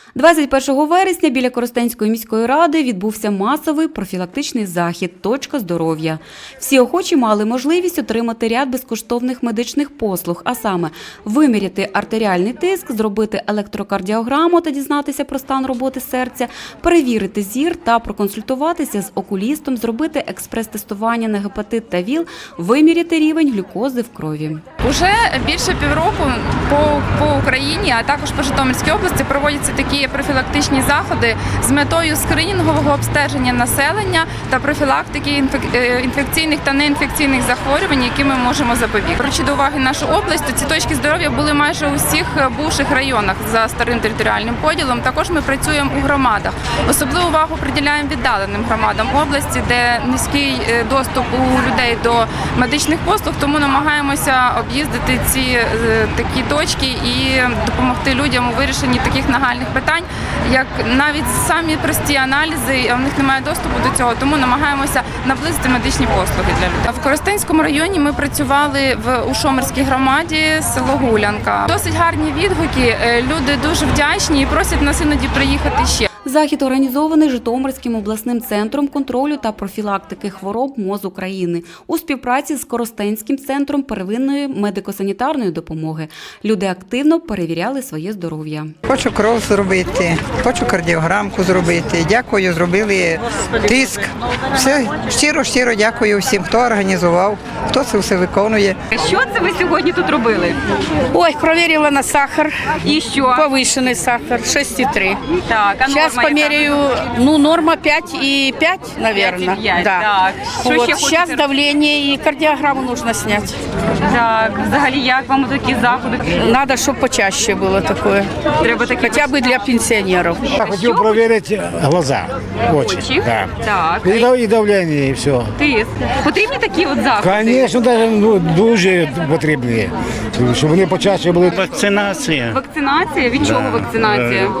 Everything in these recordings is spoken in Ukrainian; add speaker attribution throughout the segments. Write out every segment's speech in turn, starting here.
Speaker 1: 21 вересня біля Коростенської міської ради відбувся масовий профілактичний захід «Точка здоров'я». Всі охочі мали можливість отримати ряд безкоштовних медичних послуг, а саме виміряти артеріальний тиск, зробити електрокардіограму та дізнатися про стан роботи серця, перевірити зір та проконсультуватися з окулістом, зробити експрес-тестування на гепатит та ВІЛ, виміряти рівень глюкози в крові.
Speaker 2: Уже більше півроку по Україні, а також по Житомирській області проводяться такі профілактичні заходи з метою скринінгового обстеження населення та профілактики інфекційних та неінфекційних захворювань, які ми можемо запобігти. Беручи до уваги нашу область, то ці точки здоров'я були майже у всіх бувших районах за старим територіальним поділом. Також ми працюємо у громадах. Особливу увагу приділяємо віддаленим громадам області, де низький доступ у людей до медичних послуг, тому намагаємося об'їздити ці такі точки і допомогти людям у вирішенні таких нагальних питань, як навіть самі прості аналізи, а в них немає доступу до цього, тому намагаємося наблизити медичні послуги для людей. В Коростенському районі ми працювали у Шомерській громаді, село Гулянка. Досить гарні відгуки, люди дуже вдячні і просять нас іноді приїхати ще.
Speaker 1: Захід організований Житомирським обласним центром контролю та профілактики хвороб МОЗ України у співпраці з Коростенським центром первинної медико-санітарної допомоги. Люди активно перевіряли своє здоров'я.
Speaker 3: Хочу кров зробити, хочу кардіограмку зробити. Дякую, зробили тиск. Все, щиро дякую всім, хто організував, хто це все виконує.
Speaker 1: Що це ви сьогодні тут робили?
Speaker 4: Ой, проверила на сахар.
Speaker 1: І що?
Speaker 4: Повышенный сахар, 6,3.
Speaker 1: Так, а
Speaker 4: Сейчас померяю, норма 5,5, наверное.
Speaker 1: 5,5,
Speaker 4: да.
Speaker 1: так. Що
Speaker 4: Вот,
Speaker 1: ще
Speaker 4: сейчас
Speaker 1: хочете?
Speaker 4: давление и кардиограмму нужно снять.
Speaker 1: Так, взагалі, як вам такі заходи?
Speaker 4: Надо, чтобы почаще было такое.
Speaker 1: Треба такі
Speaker 4: Хотя бы для пенсионеров.
Speaker 5: Я хотел проверить глаза, очи.
Speaker 1: Очі?
Speaker 5: Да.
Speaker 1: Так.
Speaker 5: И давление, и все.
Speaker 1: Тиск. Потрібні такі от заходи?
Speaker 5: Конечно, даже дуже потрібні, щоб вони почаще були.
Speaker 6: Вакцинація.
Speaker 1: Вакцинація? Від чого вакцинація?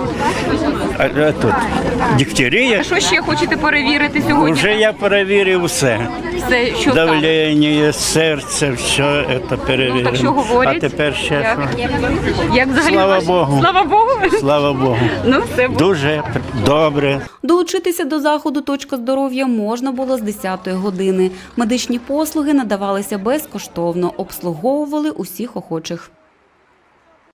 Speaker 6: А тут дифтерія.
Speaker 1: Що ще хочете перевірити сьогодні?
Speaker 6: Вже я перевірив все.
Speaker 1: Все, що саме?
Speaker 6: Давлення, серце, все це перевірив.
Speaker 1: Так що говорять?
Speaker 6: А тепер ще що?
Speaker 1: Як взагалі?
Speaker 6: Слава Богу.
Speaker 1: Слава Богу.
Speaker 6: Слава Богу.
Speaker 1: Ну, все буде.
Speaker 6: Дуже добре.
Speaker 1: Долучитися до заходу «Точка здоров'я» можна було з 10-ї години. Медичні послуги надавалися безкоштовно, обслуговували усіх охочих.